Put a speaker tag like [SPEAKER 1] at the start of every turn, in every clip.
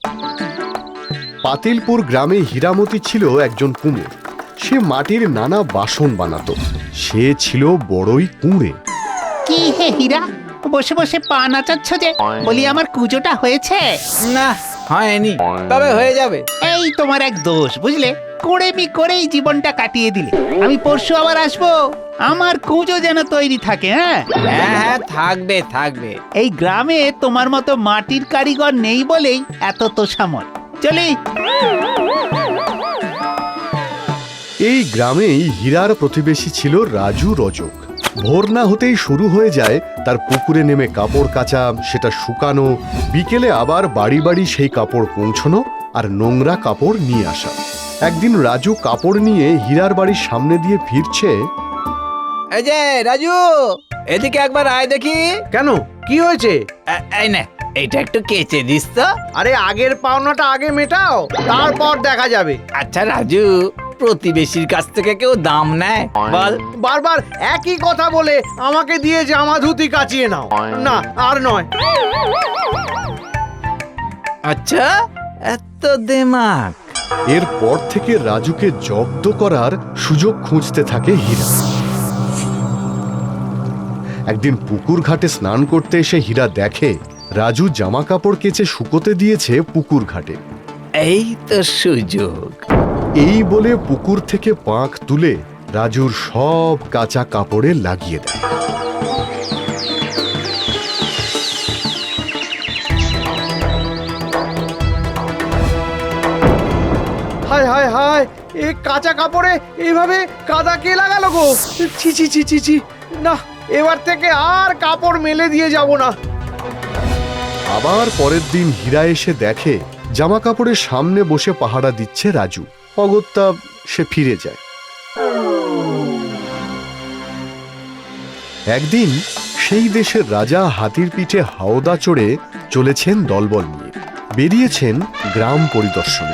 [SPEAKER 1] পাতিলপুর গ্রামে হীরামতি ছিল একজন কুমোর। সে মাটির নানা বাসন বানাতো। সে ছিল বড়ই কুঁড়ে।
[SPEAKER 2] কি হে হীরা, বসে বসে পা নাচাচ্ছ যে? বলি আমার কুজোটা হয়েছে?
[SPEAKER 3] না, হয়নি, তবে হয়ে যাবে।
[SPEAKER 2] এই তোমার এক দোষ, বুঝলে? কুড়েমি করেই জীবনটা কাটিয়ে দিলে। আমি পরশু আবার আসবো, আমার কুঁজো যেন তৈরি থাকে। হ্যাঁ
[SPEAKER 3] হ্যাঁ হ্যাঁ, থাকবে থাকবে।
[SPEAKER 2] এই গ্রামে তোমার মতো মাটির কারিগর নেই বলেই এত তোষামল। চলি।
[SPEAKER 1] এই গ্রামেই হীরার প্রতিবেশী ছিল রাজু রজক। ভোর না হতেই শুরু হয়ে যায় তার পুকুরে নেমে কাপড় কাচা, সেটা শুকানো, বিকেলে আবার বাড়ি বাড়ি সেই কাপড় পৌঁছানো আর নোংরা কাপড় নিয়ে আসা। একদিন রাজু কাপড় নিয়ে হীরার বাড়ির সামনে দিয়ে ফিরছে।
[SPEAKER 3] এই যে রাজু, এদিকে একবার আয় দেখি।
[SPEAKER 4] কেন, কি হয়েছে?
[SPEAKER 3] এই না, এইটা একটু কেচে দিস তো।
[SPEAKER 4] আরে আগের পাওনাটা আগে মেটাও, তারপর দেখা যাবে।
[SPEAKER 3] আচ্ছা রাজু, প্রতিবেশীর কাছ থেকে কেউ দাম নেয় বল?
[SPEAKER 4] বারবার একই কথা বলে আমাকে দিয়ে জামা ধুতি কাচিয়ে নাও। না, আর নয়।
[SPEAKER 3] আচ্ছা, এত দেমাক?
[SPEAKER 1] এরপর থেকে রাজুকে জব্দ করার সুযোগ খুঁজতে থাকে হীরা। একদিন পুকুর ঘাটে স্নান করতে এসে হীরা দেখে রাজু জামা কাপড় কেচে শুকোতে দিয়েছে পুকুর ঘাটে।
[SPEAKER 3] এই তো সুযোগ।
[SPEAKER 1] এই বলে পুকুর থেকে পাঁক তুলে রাজুর সব কাঁচা কাপড়ে লাগিয়ে দেয়।
[SPEAKER 4] হায় হায় হায়, এই কাঁচা কাপড়ে এইভাবে কাদা কে লাগালো গো? ছি ছি ছি ছি ছি, না, এবার থেকে আর কাপড় মেলে দিয়ে যাব না।
[SPEAKER 1] আবার পরের দিন হীরা এসে দেখে জামা কাপড়ের সামনে বসে পাহারা দিচ্ছে রাজু। অগত্যা সে ফিরে যায়। একদিন সেই দেশের রাজা হাতির পিঠে হাওদা চড়ে চলেছেন দলবল নিয়ে। বেরিয়েছেন গ্রাম পরিদর্শনে।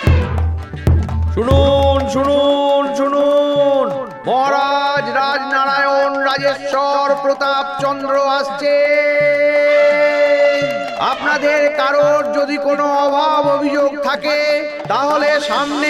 [SPEAKER 4] শুনুন শুনুন শুনুন, মহারাজ রাজনারায়ণ রাজেশ্বর প্রতাপ চন্দ্র আসছে। আপনাদের কারোর যদি কোনো অভাব অভিযোগ থাকে তাহলে সামনে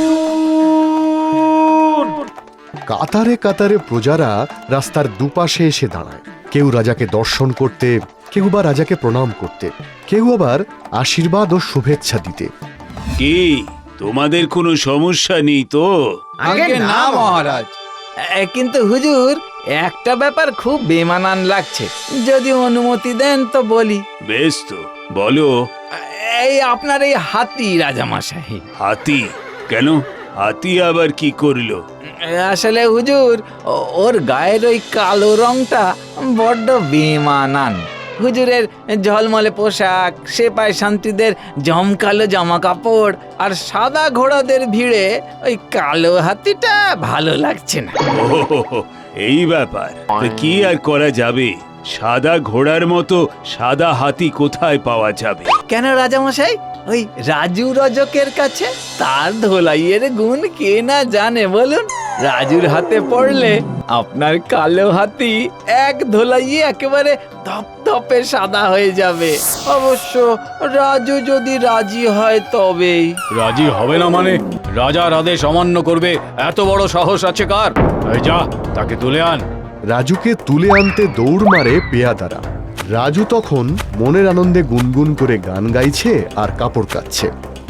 [SPEAKER 4] আসুন।
[SPEAKER 1] কাতারে কাতারে প্রজারা রাস্তার দুপাশে এসে দাঁড়ায়। কেউ রাজাকে দর্শন করতে, কেউ বা রাজাকে প্রণাম করতে, কেউ আবার আশীর্বাদ ও শুভেচ্ছা দিতে।
[SPEAKER 5] কি তোমাদের কোনো সমস্যা নেই তো?
[SPEAKER 3] আগে না মহারাজ, কিন্তু হুজুর, একটা ব্যাপার খুব বেমানান লাগছে। যদি অনুমতি দেন তো বলি।
[SPEAKER 5] বেশ তো, বলো।
[SPEAKER 3] এই আপনার এই হাতি রাজামশাই।
[SPEAKER 5] হাতি? কেন, হাতি আবার কি করলো?
[SPEAKER 3] আসলে হুজুর, ওর গায়ের ওই কালো রংটা বড্ড বেমানান। হুজুরের ঝলমলে পোশাক, সেপাই শান্তিদের জমকালো জামা কাপড় আর সাদা ঘোড়াদের ভিড়ে ওই কালো হাতিটা ভালো লাগছে না।
[SPEAKER 5] ওহ, এই ব্যাপার। তো কি আর করা যাবে? সাদা ঘোড়ার মতো সাদা হাতি কোথায় পাওয়া যাবে?
[SPEAKER 3] কেন রাজামশাই, ওই রাজু রজকের কাছে? তার ধোলাইয়ের গুণ কে না জানে বলুন? রাজুর হাতে পড়লে আপনার কালো হাতি এক ধোলাইয়ে একেবারে ধপধপে সাদা হয়ে যাবে। অবশ্য রাজু যদি রাজি হয় তবেই।
[SPEAKER 6] রাজি হবে না মানে? রাজার আদেশ অমান্য করবে এত বড় সাহস আছে কার? এই যা, তাকে তুলে আন।
[SPEAKER 1] রাজুকে তুলে আনতে দৌড় মারে পেয়াদারা। রাজু তখন মনের আনন্দে গুনগুন করে গান গাইছে আর কাপড় কাচ্ছে।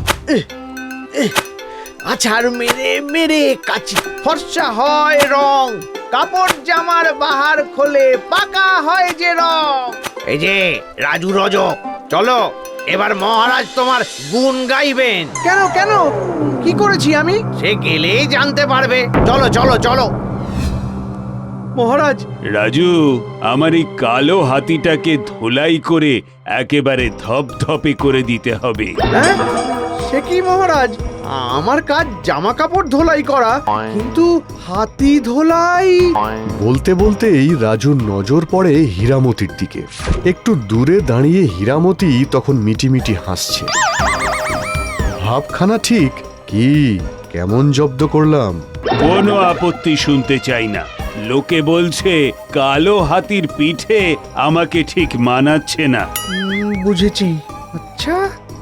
[SPEAKER 4] আছাড় মেরে মেরে কাচি, ফর্সা হয় রং, কাপড় জামার বাহার খোলে পাকা হয় যে রং। এই যে রাজু রজক, চলো এবার মহারাজ তোমার গুণ গাইবেন। কেন কেন, কি করেছি আমি? সে গেলেই জানতে পারবে। চলো চলো চলো। মহারাজ,
[SPEAKER 5] রাজু, আমার এই কালো হাতিটাকে ধোলাই করে একেবারে ধপধপে করে দিতে হবে।
[SPEAKER 4] হ্যাঁ, সে কি মহারাজ? আমার কাজ জামা কাপড় ধোলাই করা, কিন্তু হাতি ধোলাই?
[SPEAKER 1] বলতে বলতেই রাজুর নজর পড়ে হীরামতির দিকে। একটু দূরে দাঁড়িয়ে হীরামতি তখন মিটিমিটি হাসছে। ভাবখানা ঠিক কি, কেমন জব্দ করলাম?
[SPEAKER 5] কোনো আপত্তি শুনতে চাই না। লোকে বলছে কালো হাতির পিঠে আমাকে ঠিক মানাচ্ছে না।
[SPEAKER 4] বুঝেছি। আচ্ছা,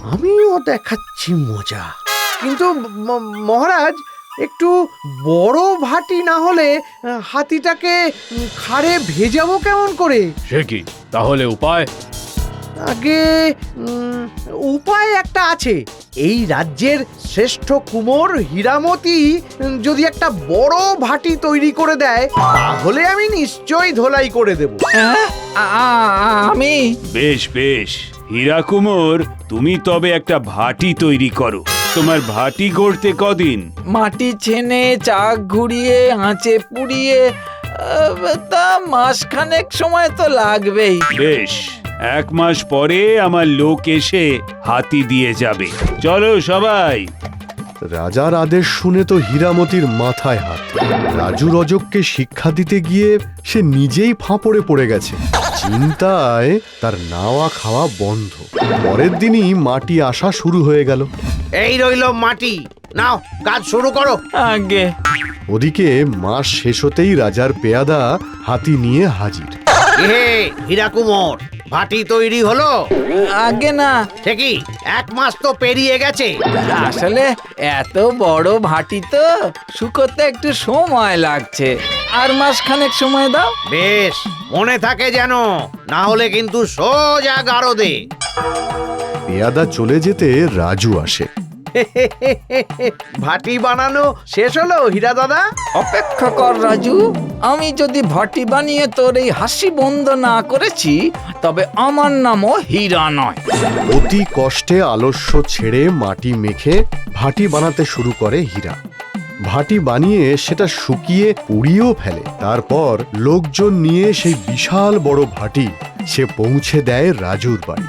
[SPEAKER 4] আমিও দেখাচ্ছি মজা। কিন্তু মহারাজ, একটু বড় ভাটি না হলে হাতিটাকে খাড়ে ভেজাবো কেমন করে?
[SPEAKER 6] সে কি তাহলে উপায়?
[SPEAKER 4] আগে উপায় একটা আছে। এই রাজ্যের শ্রেষ্ঠ কুমোর হীরামতি যদি একটা বড় ভাটি তৈরি করে দেয়, তাহলে আমি নিশ্চয়ই ধোলাই করে দেব।
[SPEAKER 3] হ্যাঁ? আমি
[SPEAKER 5] বেশ বেশ, হীরা কুমোর, তুমি তবে একটা ভাটি তৈরি করো। তোমার ভাটি গড়তে কদিন?
[SPEAKER 3] মাটি ছেনে চাক ঘুরিয়ে আঁচে পুড়িয়ে তা মাসখানেক সময় তো লাগবেই।
[SPEAKER 5] বেশ, 1 মাস পরে আমার লোক এসে হাতি দিয়ে যাবে। চলো সবাই।
[SPEAKER 1] রাজার আদেশ শুনে তো হীরামতির মাথায় হাত। রাজু রজককে শিক্ষা দিতে গিয়ে সে নিজেই ফাঁপড়ে পড়ে গেছে। চিন্তায় তার নাওয়া খাওয়া বন্ধ। পরের দিনই মাটি আসা শুরু হয়ে গেল।
[SPEAKER 4] এই রইল মাটি, নাও কাজ শুরু করো।
[SPEAKER 3] আগে
[SPEAKER 1] ওদিকে মাস শেষ হতেই রাজার পেয়াদা হাতি নিয়ে হাজির।
[SPEAKER 4] হে হীরা কুমোর, ভাটি তৈরি হলো?
[SPEAKER 3] আগে না,
[SPEAKER 4] ঠিকই, 1 মাস তো পেরিয়ে গেছে।
[SPEAKER 3] আসলে এত বড় ভাটি তো শুকোতে একটু সময় লাগছে। আর মাসখানেক সময় দাও।
[SPEAKER 4] বেশ, মনে থাকে যেন, না হলে কিন্তু সোজা গারদে।
[SPEAKER 1] পেয়াদা চলে যেতে রাজু আসে।
[SPEAKER 4] ভাটি বানানো শেষ হলো হীরা দাদা?
[SPEAKER 3] অপেক্ষা কর রাজু, আমি যদি ভাটি বানিয়ে তোর এই হাসি বন্ধ না করেছি, তবে আমার নামও হীরা নয়।
[SPEAKER 1] অতি কষ্টে আলস্য ছেড়ে মাটি মেখে ভাটি বানাতে শুরু করে হীরা। ভাটি বানিয়ে সেটা শুকিয়ে পুড়িয়েও ফেলে। তারপর লোকজন নিয়ে সেই বিশাল বড় ভাটি সে পৌঁছে দেয় রাজুর বাড়ি।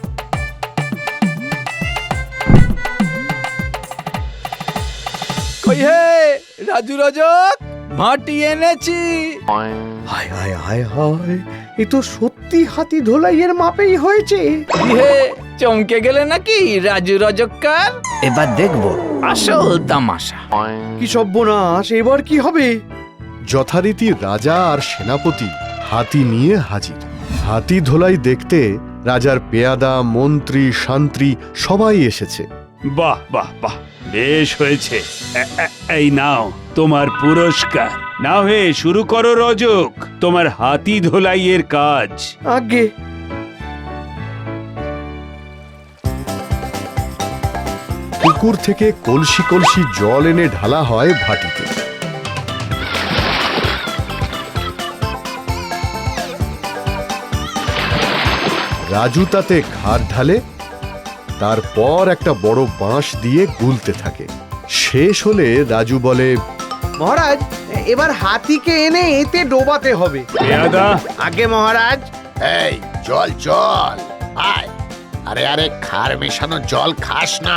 [SPEAKER 3] কই হে রাজু রজক, ভাটি এনেছি।
[SPEAKER 4] হায় হায় হায় হায়, এ তো সত্যি হাতি ধোলাইয়ের মাপেই হয়েছে।
[SPEAKER 3] কি হে, চমকে গেলে নাকি রাজু রজককার? এবার দেখবো আসল তামাশা।
[SPEAKER 4] কি সর্বনাশ, এবার কি হবে?
[SPEAKER 1] যথারীতি রাজা আর সেনাপতি হাতি নিয়ে হাজির। হাতি ধোলাই দেখতে রাজার পেয়াদা, মন্ত্রী, শান্ত্রী সবাই এসেছে।
[SPEAKER 5] বাহ বাহ বাহ, বেশ হয়েছে। এই নাও তোমার পুরস্কার। নাও হে, শুরু করো রজক, তোমার হাতি ধোলাইয়ের কাজ।
[SPEAKER 4] আগে
[SPEAKER 1] পুকুর থেকে কলসি কলসি জল এনে ঢালা হয় ভাটিতে। রাজু তাতে ঘাট ঢালে, তারপর একটা বড় বাঁশ দিয়ে গুলতে থাকে। শেষ হলে রাজু বলে,
[SPEAKER 4] মহারাজ, এবার হাতিকে এনে এতে ডোবাতে হবে।
[SPEAKER 5] পেয়াদা,
[SPEAKER 4] আগে মহারাজ।
[SPEAKER 7] এই জল জল আয়, আরে আরে খার মেশানো জল খাস না।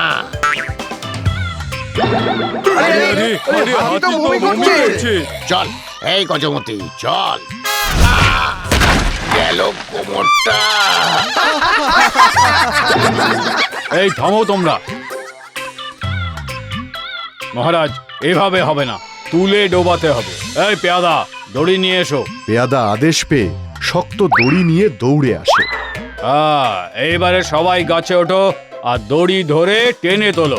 [SPEAKER 4] আরে, আরে, হাতি তো বমি করছে।
[SPEAKER 7] চল এই গজমতি চল। গেল কোমরটা।
[SPEAKER 6] এই থামো তোমরা। মহারাজ, এভাবে হবে না, তুলে ডোবাতে হবে। এই পেয়াদা, দড়ি নিয়ে এসো।
[SPEAKER 1] পেয়াদা আদেশ পেয়ে শক্ত দড়ি নিয়ে দৌড়ে আসে।
[SPEAKER 6] এইবারে সবাই গাছে ওঠো আর দড়ি ধরে টেনে তোলো।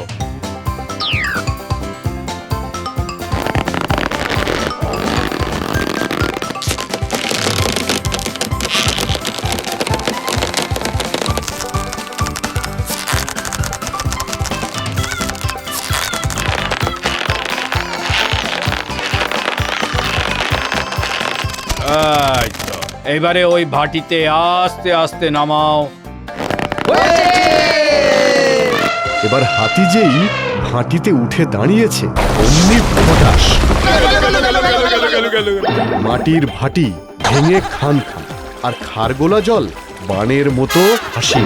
[SPEAKER 6] এই তো, এইবারে ওই ভাটিতে আস্তে আস্তে নামাও।
[SPEAKER 1] এবার হাতি যেই ভাটিতে উঠে দাঁড়িয়েছে, অমনি ফটাস, মাটির ভাটি ভেঙে খান খান, আর খারগোলা জল বানের মতো হাসি।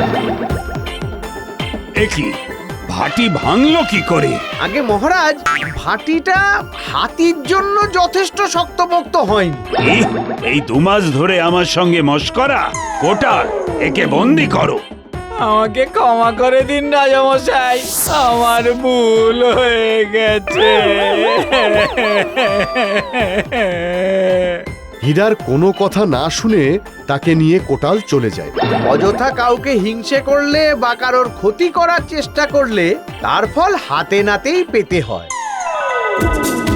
[SPEAKER 5] একি ভাটি ভাঙলো কি করে?
[SPEAKER 4] আগে মহারাজ, ভাটিটা হাতির জন্য যথেষ্ট শক্তপোক্ত হয়নি।
[SPEAKER 5] এই 2 মাস ধরে আমার সঙ্গে মশকরা? কোটার, একে বন্দি করো।
[SPEAKER 3] আমাকে ক্ষমা করে দিন রাজামশাই, আমার ভুল হয়ে গেছে।
[SPEAKER 1] হীরার কোনো কথা না শুনে তাকে নিয়ে কোটাল চলে যায়।
[SPEAKER 4] অযথা কাউকে হিংসে করলে বা কারোর ক্ষতি করার চেষ্টা করলে তার ফল হাতে নাতেই পেতে হয়।